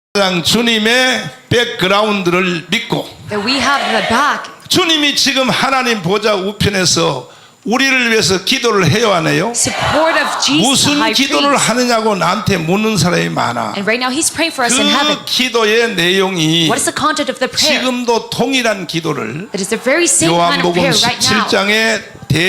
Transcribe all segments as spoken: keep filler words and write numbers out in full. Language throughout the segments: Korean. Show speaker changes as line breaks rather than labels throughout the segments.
가장 주님의 백그라운드를 믿고
that we have the back.
주님이 지금 하나님 보좌 우편에서 우리를 위해서 기도를 해야 하네요.
Support of Jesus, the
무슨
high
기도를
priest.
하느냐고 나한테 묻는 사람이 많아.
And right now he's praying for us in heaven.
그 기도의 내용이
What is the content of the prayer?
지금도 동일한 기도를
That is the very same kind of
요한복음
prayer right now.
십칠 장의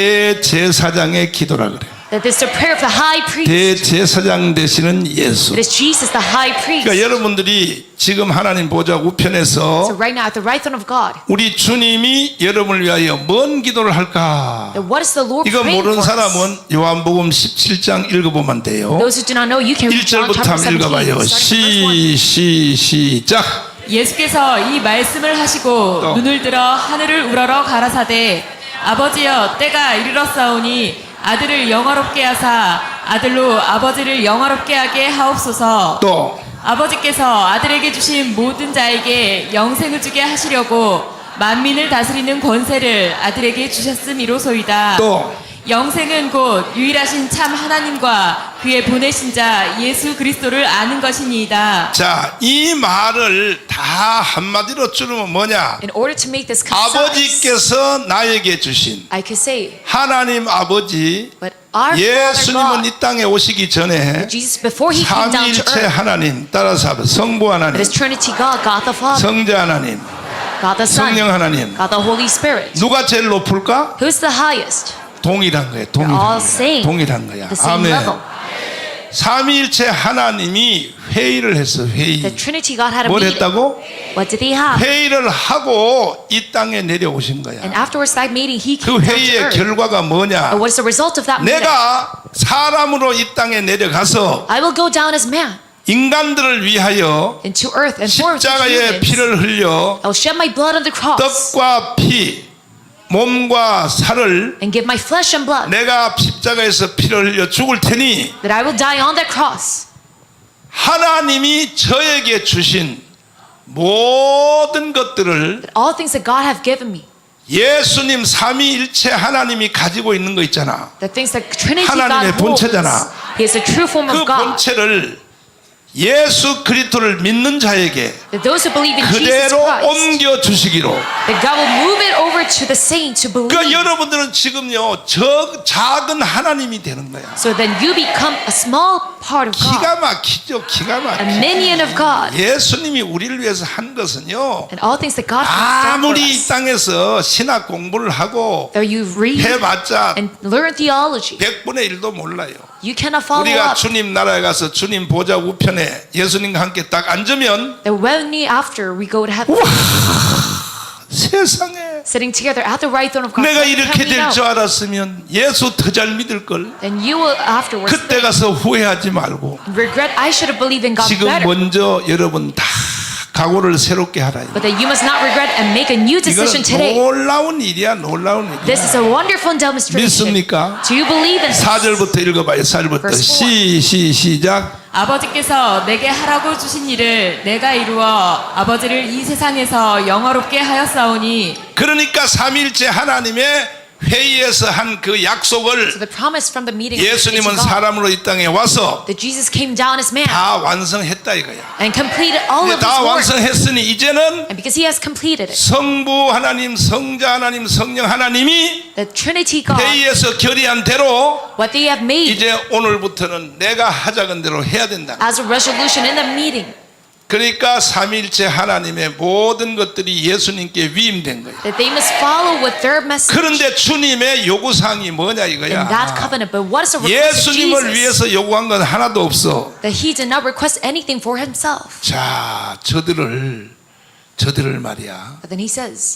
대제사장의 기도라 그래.
That is the prayer of the high priest.
대제사장 되시는 예수.
That is Jesus, the high priest.
그러니까 여러분들이 지금 하나님 보좌
So
우편에서
right now at the right throne of God,
우리 주님이 여러분을 위하여 뭔 기도를 할까?
that what is the Lord
이거
praying
모르는
for us?
사람은 요한복음 십칠 장 읽어보면 돼요.
Those who do not know, you can read
일
John
절부터
chapter
한번
seventeen,
읽어봐요.
starting from verse one.
시, 시, 시작.
예수께서 이 말씀을 하시고
또.
눈을 들어 하늘을 우러러 가라사대 아버지여 때가 이르렀사오니 아들을 영화롭게 하사 아들로 아버지를 영화롭게 하게 하옵소서.
또
아버지께서 아들에게 주신 모든 자에게 영생을 주게 하시려고 만민을 다스리는 권세를 아들에게 주셨음이로소이다.
또.
영생은 곧 유일하신 참 하나님과 그의 보내신 자 예수 그리스도를 아는 것이니이다.
자, 이 말을 다 한마디로 줄이면 뭐냐?
In order to make this concise,
아버지께서 나에게 주신
I could say,
하나님 아버지
but our Father
예수님은
God,
이 땅에 오시기 전에
Jesus, before he came down to
삼위일체
earth,
하나님 따라서 하면 성부
that
하나님,
is Trinity God, God the Father,
성자 하나님,
God the Son,
성령 하나님.
God the Holy Spirit.
누가 제일 높을까?
Who's the highest?
동일한 거예요.
They're
동일한
all
거야.
same.
동일한 거야.
The same
아멘.
level.
삼위일체 하나님이 회의를 했어. 회의.
The Trinity God had a
뭘
meeting.
했다고?
What did they have?
회의를 하고 이 땅에 내려오신 거야.
And afterwards that meeting, he
그
came down to
회의의
earth.
결과가 뭐냐?
And what is the result of that meeting?
내가 사람으로 이 땅에 내려가서
I will go down as man
인간들을 위하여
into earth and for the
십자가의
humans.
피를 흘려
I will shed my blood on the cross
떡과 피, 몸과 살을
and give my flesh and blood.
내가 십자가에서 피를 흘려 죽을 테니
That I will die on that cross.
하나님이 저에게 주신 모든 것들을
That all things that God have given me,
예수님 삼위일체 하나님이 가지고 있는 거 있잖아.
the things that Trinity
하나님의
God holds,
본체잖아.
He is the true form
그
of God.
본체를 예수 그리스도를 믿는 자에게
That those who believe in Jesus
그대로
Christ,
옮겨 주시기로.
that God will move it over to the saints who believe.
그러니까 여러분들은 지금요 저 작은 하나님이 되는 거야.
So then you become a small part of God,
기가 막히죠. 기가
a
막히죠.
minion of God.
예수님이 우리를 위해서 한 것은요,
And all things that God has done for
아무리 이
us.
땅에서 신학 공부를 하고
Though you read
해봤자
and learn theology,
백분의 일도 몰라요.
you cannot follow
우리가
up.
주님 나라에 가서 주님 보좌 우편에 예수님과 함께 딱 앉으면
That when we after we go to heaven,
세상에
sitting together at the right throne of God,
내가
then
이렇게
can we
될
know?
줄 알았으면 예수 더 잘 믿을 걸.
Then you will afterwards
그때 가서 후회하지 말고
regret. I should have believed in God
지금
better.
먼저 여러분 다 각오를 새롭게 하라.
But that you must not regret and make a new decision
이거는
today.
놀라운 일이야, 놀라운
This
일이야.
is a wonderful demonstration.
믿습니까?
Do you believe in
사
this?
절부터 읽어봐요. 사 절부터
Verse four.
시, 시, 시작.
아버지께서 내게 하라고 주신 일을 내가 이루어 아버지를 이 세상에서 영화롭게 하였사오니
그러니까 삼일째 하나님의 회의에서 한 그
So
약속을
the promise from the meeting of
예수님은
God,
사람으로 이 땅에 와서
that Jesus came down as man
다 완성했다 이거야.
and completed all
이제
of his
다
work.
완성했으니 이제는
And because he has completed it,
성부 하나님, 성자 하나님, 성령 하나님이
the Trinity God,
회의에서 결의한 대로
what they have made
이제 오늘부터는 내가 하자는 대로 해야 된다.
as a resolution in the meeting,
그러니까 삼위일체 하나님의 모든 것들이 예수님께 위임된 거예요.
that they must follow with their message
그런데 주님의 요구사항이 뭐냐
in that
이거야.
covenant. But what is the request of
예수님을
Jesus?
위해서 요구한 건 하나도 없어.
That he did not request anything for himself.
자, 저들을 저들을 말이야.
But then he says,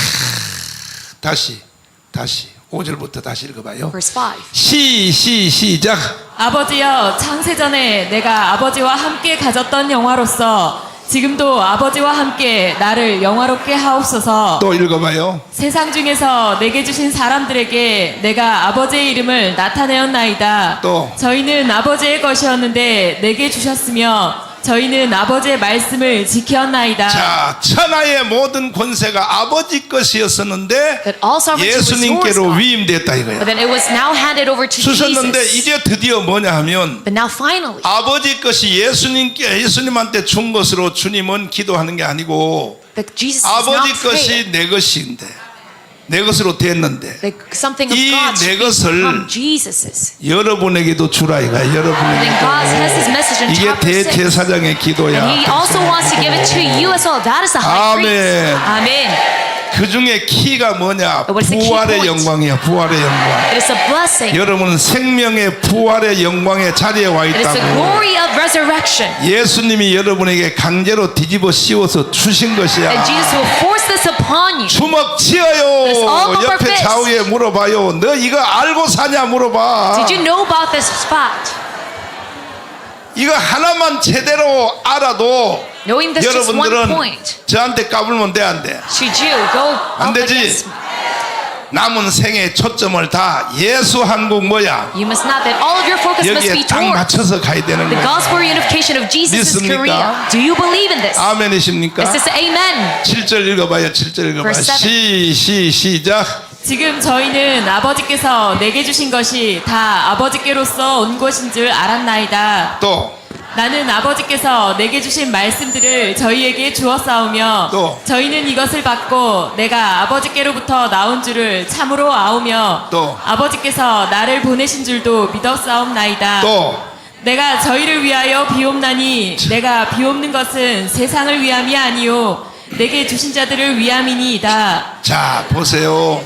다시 다시 오 절부터 다시 읽어봐요.
verse five,
시, 시, 시작.
아버지여 창세전에 내가 아버지와 함께 가졌던 영화로서 지금도 아버지와 함께 나를 영화롭게 하옵소서.
또 읽어봐요.
세상 중에서 내게 주신 사람들에게 내가 아버지의 이름을 나타내었나이다.
또.
저희는 아버지의 것이었는데 내게 주셨으며 저희는 아버지의 말씀을 지켰나이다.
자, 천하의 모든 권세가 아버지 것이었었는데
That all sovereignty was yours,
예수님께로
God.
위임됐다
But
이거야.
then it was now handed over to
주셨는데
Jesus.
이제 드디어 뭐냐 하면
But now finally,
아버지 것이 예수님께 예수님한테 준 것으로 주님은 기도하는 게 아니고
that Jesus is
아버지
now praying.
것이 내 것인데 내 것으로 됐는데
That something of
이
God
내
should
것을
become Jesus's.
여러분에게도 주라 이가
Then
여러분에게도
God has His message in
이게
chapter six.
대제사장의 기도야.
And He also wants to give it to you as well. That is the high priest.
아멘.
Amen.
그 중에 키가 뭐냐?
What is the key
부활의
point?
영광이야. 부활의 영광.
It is a blessing.
여러분은 생명의 부활의 영광의 자리에 와
It is the
있다고.
glory of resurrection.
예수님이 여러분에게 강제로 뒤집어 씌워서 주신 것이야.
And Jesus will force this upon you.
주먹 치어요.
It's all over
옆에
fist.
좌우에 물어봐요. 너 이거 알고 사냐 물어봐.
Did you know about this spot?
이거 하나만 제대로 알아도
Knowing this just one
여러분들은
point,
저한테 까불면 돼 안 돼?
should you go
안
up
되지.
against me?
남은 생의 초점을 다 예수 한국 뭐야?
You must not that all of your focus must be
여기에 딱
towards
맞춰서 가야 되는
the
거야.
gospel unification of Jesus'
믿습니까?
Korea. Do you believe in this?
아멘이십니까?
Is this amen?
칠 절 읽어봐요. 칠 절 읽어봐요.
Verse seven.
시, 시, 시작.
지금 저희는 아버지께서 내게 주신 것이 다 아버지께로서 온 것인 줄 알았나이다.
또
나는 아버지께서 내게 주신 말씀들을 저희에게 주었사오며
또.
저희는 이것을 받고 내가 아버지께로부터 나온 줄을 참으로 아오며
또.
아버지께서 나를 보내신 줄도 믿었사옵나이다.
또
내가 저희를 위하여 비옵나니 내가 비옵는 것은 세상을 위함이 아니요 내게 주신 자들을 위함이니이다.
자, 보세요.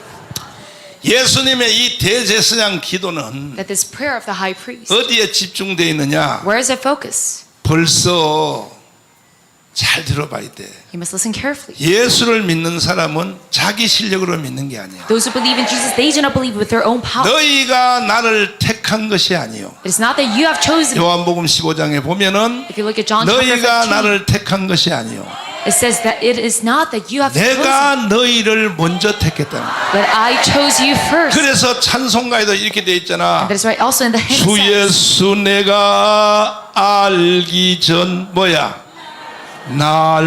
예수님의 이 대제사장 기도는
That this prayer of the high priest,
어디에 집중되어 있느냐?
where is it focus?
벌써 잘 들어봐야 돼.
You must listen carefully.
예수를 믿는 사람은 자기 실력으로 믿는 게 아니야.
Those who believe in Jesus, they do not believe with their own power.
너희가 나를 택한 것이 아니요.
It is not that you have chosen.
요한복음 십오 장에 보면은
If you look at John chapter
너희가
fifteen,
나를 택한 것이 아니요.
it says that it is not that you have chosen,
내가 너희를 먼저 택했다.
but I chose you first.
그래서 찬송가에도 이렇게 돼 있잖아.
That is right. Also in the hymn
주
says,
예수 내가 알기 전 뭐야? 날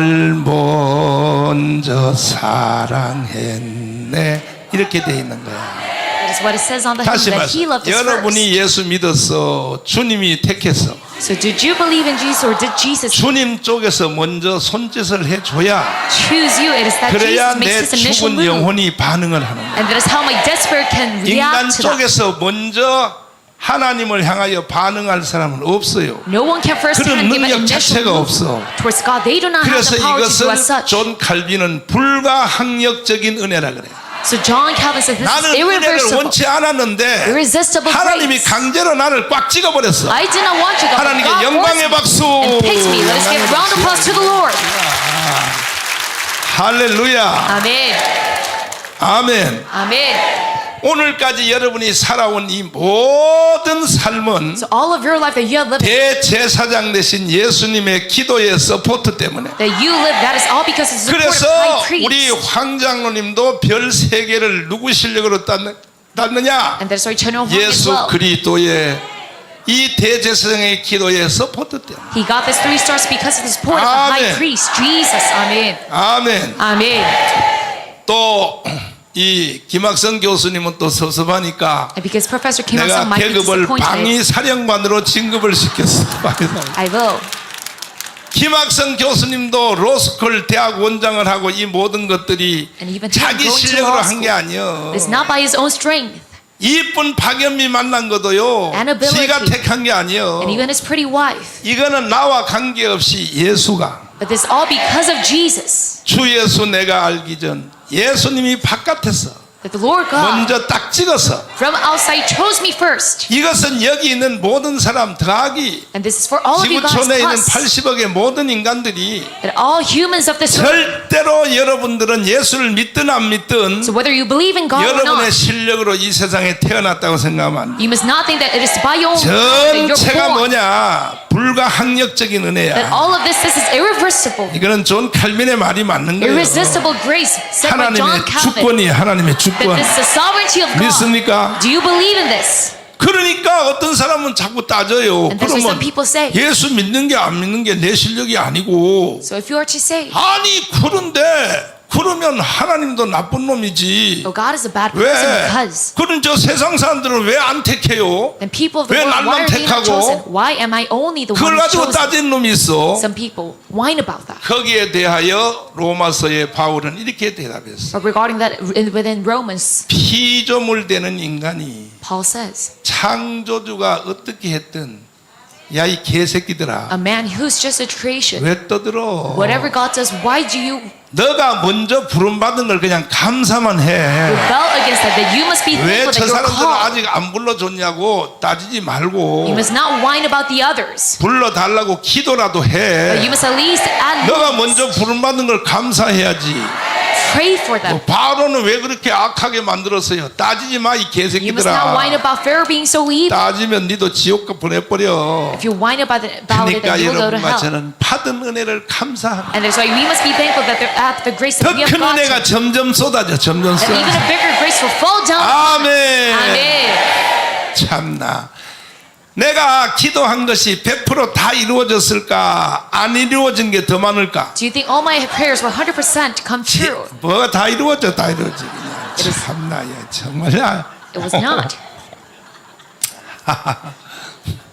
먼저 사랑했네. 이렇게 돼 있는 거야.
that is what it says on the hymn,
다시
that He
말씀.
loved us first.
여러분이 예수 믿었어. 주님이 택했어.
So did you believe in Jesus or did Jesus
주님 쪽에서 먼저 손짓을 해줘야
choose you? It is that
그래야
Jesus makes
내
this initial
죽은
move.
영혼이 반응을 하는 거야.
And that is how my dead spirit can
인간
react to that.
쪽에서 먼저 하나님을 향하여 반응할 사람은 없어요.
No one can first
그런
hand give an
능력
initial
자체가
move
없어.
towards God. They do not have
그래서
the power to do as
이것은
such.
존 칼빈은 불가항력적인 은혜라 그래.
So John Calvin says this is
나는 은혜를
irreversible.
원치 않았는데
Irresistible
하나님이
grace.
강제로 나를 꽉 찍어버렸어.
I did not want you, God. but
하나님께
God
영광의
forced
박수.
me and picked me. Let us give round of applause to the Lord.
할렐루야.
Amen.
아멘.
Amen.
오늘까지 여러분이 살아온 이 모든 삶은
So all of your life that you have lived,
대제사장 되신 예수님의 기도의 서포트 때문에.
that you live, that is all because of the support of
그래서
high priest.
우리 황장로님도 별 세 개를 누구 실력으로 땄느, 땄느냐?
And that is why Chano Hong as
예수
well.
그리스도의 이 대제사장의 기도의 서포트 때문에.
He got this three stars because of the support of the
Amen.
high priest, Jesus. Amen.
아멘.
Amen.
또 이 김학성 교수님은 또 섭섭하니까
And because Professor Kim
내가
Il-sung might be
계급을
disappointed,
방위 사령관으로 진급을 시켰어.
I will.
김학성 교수님도 로스쿨 대학 원장을 하고 이 모든 것들이
And even him
자기
going to
실력으로
law
한 게
school.
아니요.
It's not by his own strength.
이쁜 박연미 만난 것도요.
And ability.
지가 택한 게 아니요.
And even his pretty wife.
이거는 나와 관계없이 예수가
But this all because of Jesus.
주 예수 내가 알기 전 예수님이 바깥에서
That the Lord God
먼저 딱 찍어서
from outside chose me first.
이것은 여기 있는 모든 사람 더하기
And this is for all of you guys
지구촌에 있는
plus.
팔십억의 모든 인간들이
That all humans of this earth.
절대로 여러분들은 예수를 믿든 안 믿든
So whether you believe in God or
여러분의
not,
실력으로 이 세상에 태어났다고 생각하면 안 돼.
you must not think that it is by your own that you're
전체가
born.
뭐냐? 불가항력적인
That
은혜야.
all of this, this is irreversible.
이거는 존 칼빈의 말이 맞는 거예요.
Irresistible grace said by John
하나님의
Calvin.
주권이 하나님의
That
주권.
this is the sovereignty of God.
믿습니까?
Do you believe in this?
그러니까 그러니까 어떤 사람은 자꾸 따져요.
And that's why some
그러면
people say,
예수 믿는 게 안 믿는 게 내 실력이 아니고,
so if you are to say,
아니 그런데 그러면 하나님도 나쁜 놈이지.
oh, God is a bad person
왜?
because,
그런 저 세상 사람들은 왜 안 택해요?
then people of the
왜
world, why
날만
are they not
택하고?
chosen? Why am I only the one
그걸
who's
가지고
chosen?
따지는 놈이 있어.
Some people whine about that.
거기에 대하여 로마서의 바울은 이렇게 대답했어.
But regarding that, in- within Romans,
피조물되는 인간이
Paul says,
창조주가 어떻게 했든 야 이 개새끼들아
a man who's just a creation,
왜 떠들어?
whatever God does, why do you
너가 먼저 부름받은 걸 그냥 감사만 해.
rebel against that? That you must be
왜
thankful
저
that you're
사람들은
called.
아직 안 불러줬냐고 따지지 말고
You must not whine about the others,
불러달라고 기도라도
but
해.
you must at least add
너가
needs.
먼저 부름받은 걸 감사해야지.
Pray for them.
뭐 바로는 왜 그렇게 악하게 만들었어요? 따지지 마 이
You must not whine
개새끼들아.
about Pharaoh being so evil.
따지면 니도 지옥가 보내버려.
If you whine about it, about it,
그러니까
then you will go to
여러분과
hell.
저는 받은 은혜를 감사합니다.
And that's why we must be thankful that they're at the grace that
더
we have
큰
got.
은혜가 점점 쏟아져, 점점
That even
쏟아져.
a bigger grace will fall down.
아멘.
Amen.
참나. 내가 기도한 것이 백 퍼센트 다 이루어졌을까? 안 이루어진 게 더 많을까?
Do you think all my prayers will one hundred percent come
지-
true?
뭐가 다 이루어져, 다 이루어져. 그냥 참나, 야, 정말야.
It was not.